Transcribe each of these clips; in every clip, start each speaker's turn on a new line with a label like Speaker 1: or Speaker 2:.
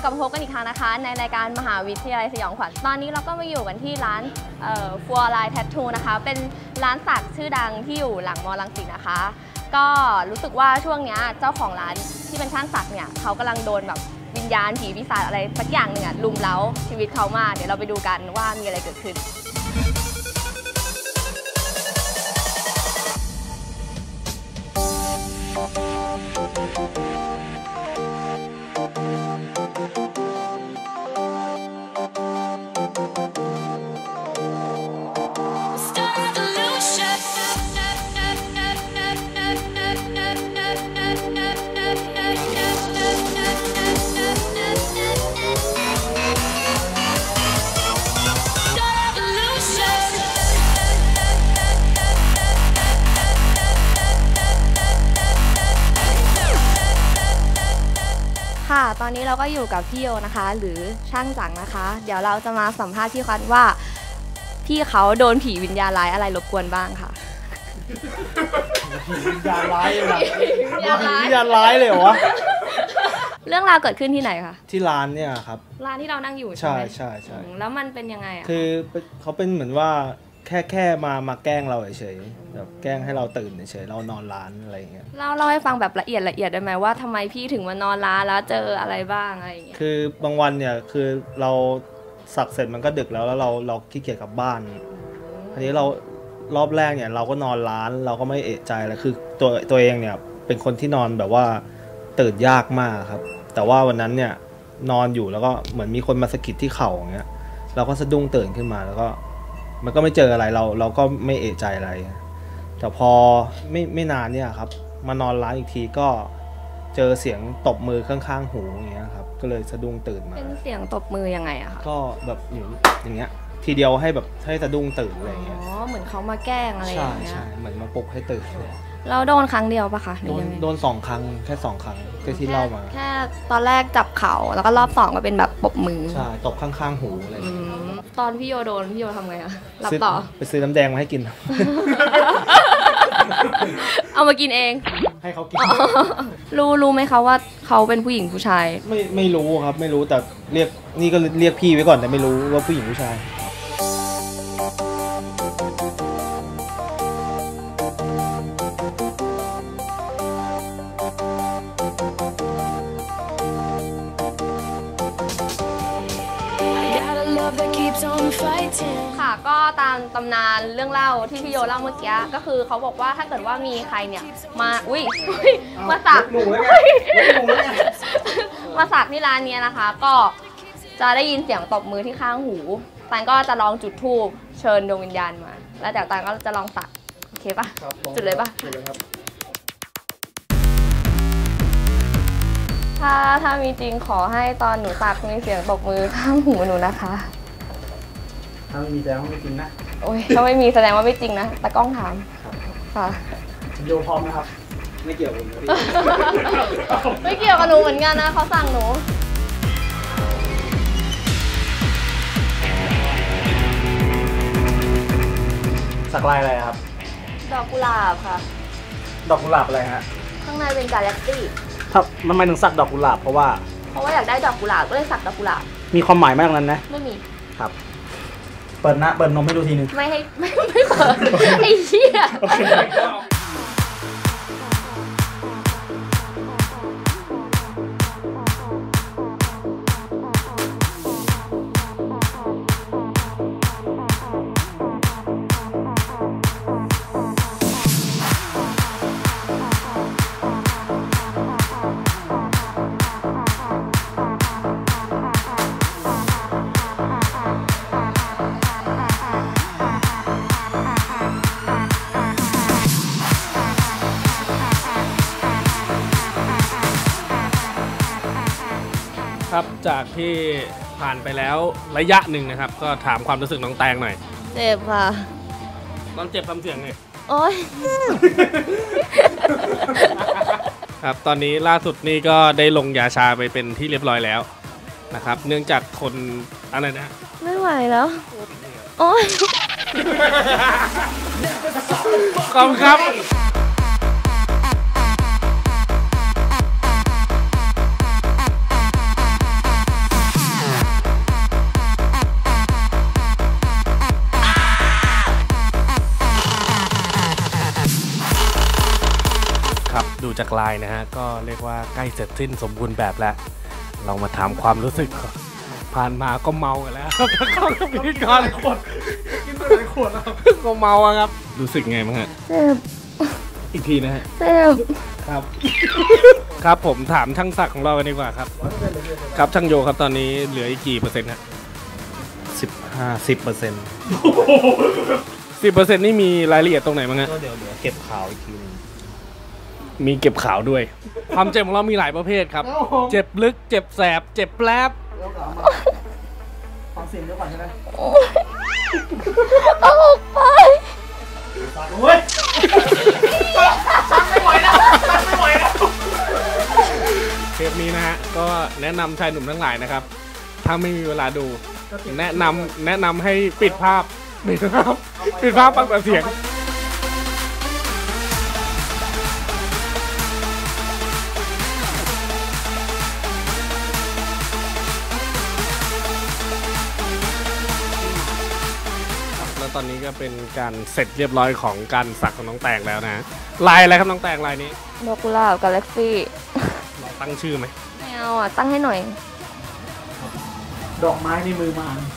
Speaker 1: ลับมาพบกันอีกครั้งนะคะในรายการมหาวิทยาลัยสยองขวัญตอนนี้เราก็มาอยู่กันที่ร้านฟัวไลน์แทททูนะคะเป็นร้านสักชื่อดังที่อยู่หลังมอรังสิตนะคะก็รู้สึกว่าช่วงนี้เจ้าของร้านที่เป็นช่างสักเนี่ยเขากำลังโดนแบบวิญญาณผีปีศาจอะไรสักอย่างหนึ่งลุมเร้าชีวิตเขามากเดี๋ยวเราไปดูกันว่ามีอะไรเกิดขึ้นค่ะตอนนี้เราก็อยู่กับพี่โยนะคะหรือช่างจังนะคะเดี๋ยวเราจะมาสัมภาษณ์พี่คันว่าพี่เขาโดนผีวิญญาณร้ายอะไรรบกวนบ้างค่ะ
Speaker 2: ผีวิญญาณร้ายเลยนะผีวิญญาณร้ายเลยเหรอวะ
Speaker 1: เรื่องราวเกิดขึ้นที่ไหนคะ
Speaker 2: ที่ร้านเนี่ยครับ
Speaker 1: ร้านที่เรานั่งอยู่
Speaker 2: ใช่ใช่
Speaker 1: แล้วมันเป็นยังไงอะ
Speaker 2: คือเขาเป็นเหมือนว่าแค่มาแกล้งเราเฉยๆแบบแกล้งให้เราตื่นเฉยๆเรานอนร้านอะไรอย่างเงี้ย
Speaker 1: เล่าให้ฟังแบบละเอียดได้ไหมว่าทำไมพี่ถึงมานอนร้านแล้วเจออะไรบ้างอะไรอย่างเงี้ย
Speaker 2: คือบางวันเนี่ยคือเราสักเสร็จมันก็ดึกแล้วเราขี้เกียจกลับบ้านทีนี้เรารอบแรกเนี่ยเราก็นอนร้านเราก็ไม่เอะใจแล้วคือตัวเองเนี่ยเป็นคนที่นอนแบบว่าตื่นยากมากครับแต่ว่าวันนั้นเนี่ยนอนอยู่แล้วก็เหมือนมีคนมาสะกิดที่เข่าอย่างเงี้ยเราก็สะดุ้งตื่นขึ้นมาแล้วก็มันก็ไม่เจออะไรเราก็ไม่เอะใจอะไรแต่พอไม่นานเนี่ยครับมานอนร้านอีกทีก็เจอเสียงตบมือข้างๆหูอย่างเงี้ยครับก็เลยสะดุ้งตื่นมา
Speaker 1: เป็นเสียงตบมือยังไงอะคะ
Speaker 2: ก็แบบอย่างเงี้ยทีเดียวให้แบบให้สะดุ้งตื่นอะไรอย่างเงี้ย
Speaker 1: อ๋อเหมือนเขามาแกล้งอะไรอย่างเงี้ย
Speaker 2: ใช่เหมือนมาปลุกให้ตื่น
Speaker 1: เราโดนครั้งเดียวปะคะ
Speaker 2: โดน2 ครั้งแค่2 ครั้งที่เล่ามา
Speaker 1: แค่ตอนแรกจับเข่าแล้วก็รอบ2ก็เป็นแบบปบมือ
Speaker 2: ใช่ตบข้างๆหูอะไรอย่างเงี้ย
Speaker 1: ตอนพี่โยโดนพี่โยทำไงอะรับต่อ
Speaker 2: ไปซื้อน้ำแดงมาให้กิน
Speaker 1: เอามากินเอง
Speaker 2: ให้เขากิน
Speaker 1: รู้ไหมคะว่าเขาเป็นผู้หญิงผู้ชาย
Speaker 2: ไม่รู้ครับไม่รู้แต่เรียกนี่ก็เรียกพี่ไว้ก่อนแต่ไม่รู้ว่าผู้หญิงผู้ชาย
Speaker 1: ค่ะก็ตามตำนานเรื่องเล่าที่พี่โยเล่าเมื่อกี้ก็คือเขาบอกว่าถ้าเกิดว่ามีใครเนี่ยมามาสักมาสักที่ร้านนี้นะคะก็จะได้ยินเสียงตบมือที่ข้างหูตันก็จะลองจุดธูปเชิญดวงวิญญาณมาแล้วแต่ตันก็จะลองสักโอเคปะจุดเลยปะถ้ามีจริงขอให้ตอนหนูสักมีเสียงตบมือข้างหูหนูนะคะ
Speaker 2: ถ้าไม่มีแสดงว่าไม่จริงนะ
Speaker 1: โอ้ยถ้าไม่มีแสดงว่าไม่จริงนะตะกล้องถามค่ะ
Speaker 2: โยพร้อมนะครับไม่เกี่ยวกับหนู
Speaker 1: ไม่เกี่ยวกับหนูเหมือนกันนะเขาสั่งหนู
Speaker 2: สักลายอะไรครับ
Speaker 1: ดอกกุหลาบค่ะ
Speaker 2: ดอกกุหลาบอะไรฮะ
Speaker 1: ข้างในเป็นกาแล็กซี่
Speaker 2: ทำไมถึงสักดอกกุหลาบเพราะว่า
Speaker 1: อยากได้ดอกกุหลาบก็เลยสักดอกกุหลาบ
Speaker 2: มีความหมายมากนั้นนะ
Speaker 1: ไม่มี
Speaker 2: ครับเปิดนมให้ดูทีนึง
Speaker 1: ไม่เปิดไอ้เหี้ย
Speaker 3: ครับจากที่ผ่านไปแล้วระยะหนึ่งนะครับก็ถามความรู้สึกน้องแตงหน่อย
Speaker 1: เจ็บค่ะ
Speaker 3: น้องเจ็บทำเสียงไง
Speaker 1: โอ๊ย
Speaker 3: ครับตอนนี้ล่าสุดนี่ก็ได้ลงยาชาไปเป็นที่เรียบร้อยแล้วนะครับเนื่องจากคนอะไรนะ
Speaker 1: ไม่ไหวแล้วโอ๊ย
Speaker 3: ขอบคุณครับจากไลน์นะฮะก็เรียกว่าใกล้เสร็จสิ้นสมบูรณ์แบบแล้วเรามาถามความรู้สึกผ่านมาก็เมากันแล้วครับแล้วก็พิธีกรกินไปหลายขวดแล้วก็เมาอะครับรู้สึกไงบ้างฮะ
Speaker 1: เจ็บ
Speaker 3: อีกทีนะฮะ
Speaker 1: เจ็บ
Speaker 3: ครับครับผมถามช่างศักดิ์ของเรากันดีกว่าครับครับช่างโยครับตอนนี้เหลืออีกกี่เปอร์เซ็นต์ฮะ
Speaker 2: 10%
Speaker 3: 10%นี่มีรายละเอียดตรงไหนบ้างฮะ
Speaker 2: ก็เดี๋ยวเก็บข่าวอีกทีนึง
Speaker 3: มีเก็บข่าวด้วยความเจ็บของเรามีหลายประเภทครับเจ็บลึกเจ็บแสบเจ็บแปลบ
Speaker 4: ฟังเสียงเดี๋ยวก่อนใช่ไหม
Speaker 1: เอาออกไป
Speaker 4: โอ้ยไม่ไหวแล้วไม่ไหวแล้ว
Speaker 3: เทปนี้นะฮะก็แนะนำชายหนุ่มทั้งหลายนะครับถ้าไม่มีเวลาดูแนะนำให้ปิดภาพฟังแต่เสียงแล้วตอนนี้ก็เป็นการเสร็จเรียบร้อยของการสักของน้องแตงแล้วนะลายอะไรครับน้องแตงลายนี้
Speaker 1: นกกุหลาบกาแล็กซี่
Speaker 3: ตั้งชื่อไหม
Speaker 1: ไม่เอาอ่ะตั้งให้หน่อย
Speaker 4: ดอกไม้ในมือมาร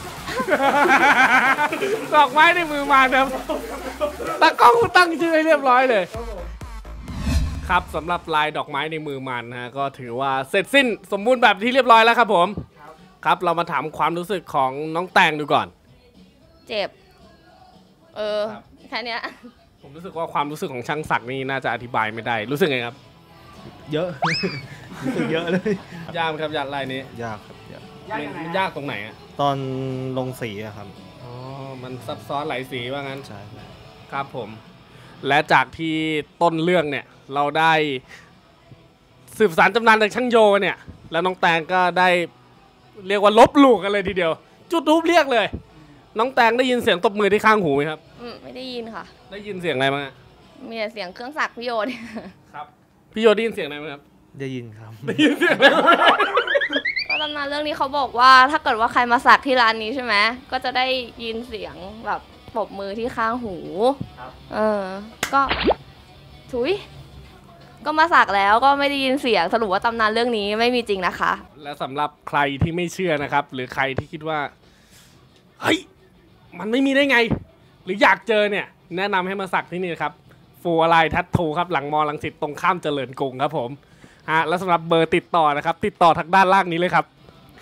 Speaker 3: ดอกไม้ในมือมารครับตากล้องตั้งชื่อให้เรียบร้อยเลยครับสำหรับลายดอกไม้ในมือมารนะฮะก็ถือว่าเสร็จสิ้นสมบูรณ์แบบที่เรียบร้อยแล้วครับผมครับเรามาถามความรู้สึกของน้องแตงดูก่อน
Speaker 1: เจ็บแค่นี้
Speaker 3: ผมรู้สึกว่าความรู้สึกของช่างศักดิ์นี่น่าจะอธิบายไม่ได้รู้สึกไงครับ
Speaker 2: เยอะรู้สึกเยอะเลย
Speaker 3: ยากครับยากลายนี้
Speaker 2: ยากครับ
Speaker 3: ยากตรงไหนอะ
Speaker 2: ตอนลงสีอะครับ
Speaker 3: อ๋อมันซับซ้อนหลายสีว่างั้น
Speaker 2: ใช่
Speaker 3: ครับผมและจากที่ต้นเรื่องเนี่ยเราได้สืบสานตำนานจากช่างโยเนี่ยแล้วน้องแตงก็ได้เรียกว่าลบหลู่กันเลยทีเดียวจุดทูบเรียกเลยน้องแตงได้ยินเสียงตบมือที่ข้างหูไหมครับ
Speaker 1: ไม่ได้ยินค่ะ
Speaker 3: ได้ยินเสียงอะไรบ้าง
Speaker 1: มีแต่เสียงเครื่องสักพี่โยน
Speaker 3: ครับพี่โยได้ยินเสียงอะไรไหมครับ
Speaker 2: ได้ยินครับ
Speaker 3: ได้ยินเสียง
Speaker 1: ก็ตำนานเรื่องนี้เขาบอกว่าถ้าเกิดว่าใครมาสักที่ร้านนี้ใช่ไหมก็จะได้ยินเสียงแบบปรบมือที่ข้างหูก็ถุยก็มาสักแล้วก็ไม่ได้ยินเสียงสรุปว่าตำนานเรื่องนี้ไม่มีจริงนะคะ
Speaker 3: และสำหรับใครที่ไม่เชื่อนะครับหรือใครที่คิดว่าเฮ้ยมันไม่มีได้ไงหรืออยากเจอเนี่ยแนะนำให้มาสักที่นี่ครับฟูอะไรทัตทูครับหลังมอรังสิตตรงข้ามเจริญกรุงครับผมและสำหรับเบอร์ติดต่อนะครับติดต่อทางด้านล่างนี้เลยครับ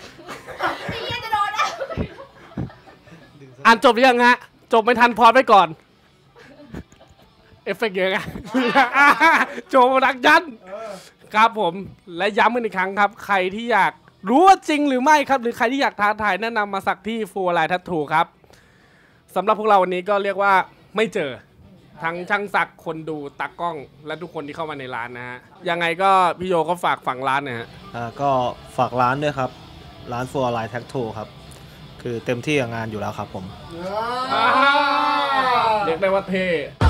Speaker 3: อ่านจบหรือยังฮะจบไม่ทันพอไปก่อนเอฟเฟกต์เยอะไงโจมรักยันครับผมและย้ำกันอีกครั้งครับใครที่อยากรู้ว่าจริงหรือไม่ครับหรือใครที่อยากท้าทายแนะนำมาสักที่ฟูอะไรทัตทูครับสำหรับพวกเราวันนี้ก็เรียกว่าไม่เจอทั้งช่างศักดิ์คนดูตากล้องและทุกคนที่เข้ามาในร้านนะฮะยังไงก็พี่โยก็ฝากฝั่งร้านนะฮะ
Speaker 2: ก็ฝากร้านด้วยครับร้านฟัวไลน์แท็กทูครับคือเต็มที่กับงานอยู่แล้วครับผม
Speaker 3: เรียกได้ว่าเท่